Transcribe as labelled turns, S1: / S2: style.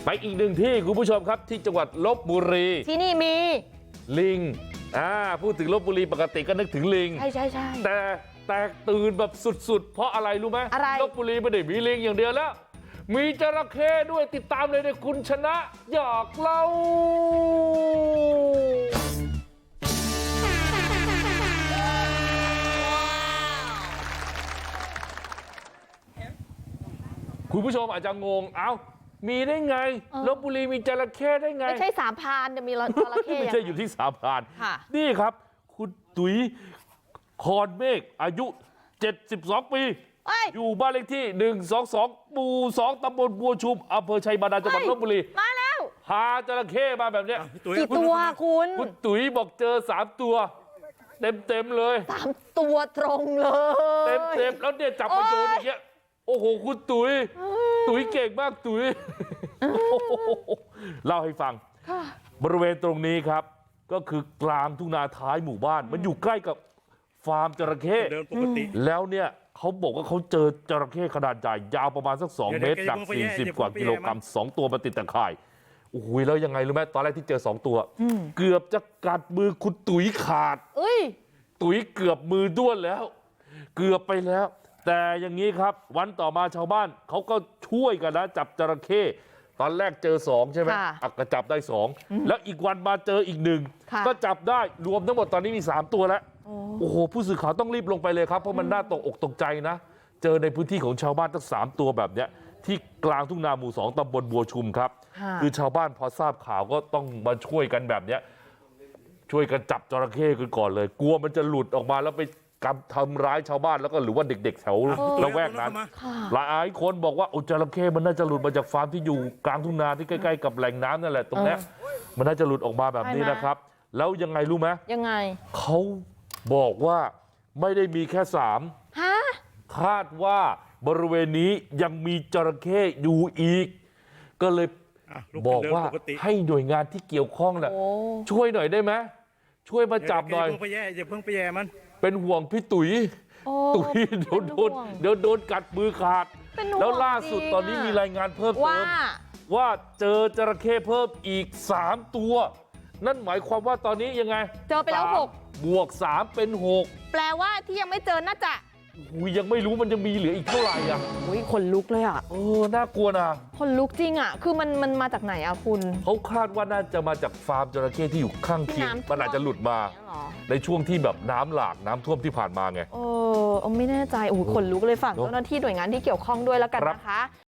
S1: ไปอีกหนึ่งที่คุณผู้ชมครับที่จังหวัดลพบุรี
S2: ที่นี่มี
S1: ลิงพูดถึงลพบุรีปกติก็นึกถึงลิง
S2: ใช่
S1: แต่แตกตื่นแบบสุดๆเพราะอะไรรู้ไหม
S2: อะไร
S1: ลพบุรีไม่ได้มีลิงอย่างเดียวแล้วมีจระเข้ด้วยติดตามเลยในคุณชนะอยากเล่าคุณผู้ชมอาจจะงงมีได้ไงลพบุรีมีจระเข้ได้ไง
S2: ไม่ใช่สามพรานจะมีจระเข้
S1: ไม่ใช่อยู่ที่สามพรานนี่ครับคุณตุ๋ยคอนเมฆอายุ72 ปีอยู่บ้านเลขที่122หมู่2ตำบลบัวชุมอำเภอชัยบาดาลจังหวัดลพบุรี
S2: มาแล้ว
S1: พาจระเข้มาแบบนี้
S2: กี่ตัวคุณ
S1: ตุ๋ยบอกเจอ3ตัวเต็มเลย
S2: 3ตัวตรงเลย
S1: เต็มแล้วเนี่ยจับมาโยนอย่างเงี้ยโอ้โหคุณตุ๋ยเก่งมากตุ๋ยเล่าให้ฟังบริเวณตรงนี้ครับก็คือกลางทุ่งนาท้ายหมู่บ้านมันอยู่ใกล้กับฟาร์มจระเข้แล้วเนี่ยเขาบอกว่าเขาเจอจระเข้ขนาดใหญ่ยาวประมาณสัก2 เมตรหนัก40 กว่ากิโลกรัม2 ตัวมาติดตะข่ายโอ้โหแล้วยังไงรู้ไหมตอนแรกที่เจอ2 ตัวเกือบจะกัดมือคุณตุ๋ยขาดตุ๋ยเกือบมือด้วนแล้วเกือบไปแล้วแต่อย่างนี้ครับวันต่อมาชาวบ้านเขาก็ช่วยกันนะจับจระเข้ตอนแรกเจอ2ใช่ไหมก็จับได้2แล้วอีกวันมาเจออีก1ก็จับได้รวมทั้งหมดตอนนี้มี3 ตัวแล้วโอ้โหผู้สื่อข่าวต้องรีบลงไปเลยครับเพราะมันน่าตกอกตกใจนะเจอในพื้นที่ของชาวบ้านตั้ง3 ตัวแบบเนี้ยที่กลางทุ่งนาหมู่2ตำบลบัวชุมครับคือชาวบ้านพอทราบข่าวก็ต้องมาช่วยกันแบบเนี้ยช่วยกันจับจระเข้กันก่อนเลยกลัวมันจะหลุดออกมาแล้วไปทำร้ายชาวบ้านแล้วก็หรือว่าเด็กๆแถวละแวกนั้นหลายคนบอกว่าจระเข้มันน่าจะหลุดมาจากฟาร์มที่อยู่กลางทุ่งนาที่ใกล้ๆกับแหล่งน้ำนั่นแหละตรงนี้มันน่าจะหลุดออกมาแบบนี้นะครับแล้วยังไงรู้ไหมยังไงเขาบอกว่าไม่ได้มีแค่3คาดว่าบริเวณนี้ยังมีจระเข้อยู่อีกก็เลยบอกว่าให้หน่วยงานที่เกี่ยวข้องน่ะช่วยหน่อยได้ไหมช่วยมาจับหน่อย
S3: อย่าเพิ่งไปแย่มัน
S1: เป็นห่วงพี่ตุ๋ยเดี๋ยวโดนกัดมือขาดแล้วล่าสุดตอนนี้มีรายงานเพิ่มเติมว่าเจอจระเข้เพิ่มอีก3 ตัวนั่นหมายความว่าตอนนี้ยังไง
S2: เจอไปแล้ว
S1: 6บวก3เป็น6
S2: แปลว่าที่ยังไม่เจอน่าจะ
S1: ยังไม่รู้มันจะมีเหลืออีกเท่าไหร่
S2: ขนลุกเลย
S1: น่ากลัวนะ
S2: ขนลุกจริงคือมันมาจากไหนคุณ
S1: เขาคาดว่าน่าจะมาจากฟาร์มจระเข้ที่อยู่ข้างเคียงมันอาจจะหลุดมาในช่วงที่แบบน้ำหลากน้ำท่วมที่ผ่านมาไง
S2: ไม่แน่ใจขนลุกเลยฝากเจ้าหน้าที่หน่วยงานที่เกี่ยวข้องด้วยแล้วกันนะคะ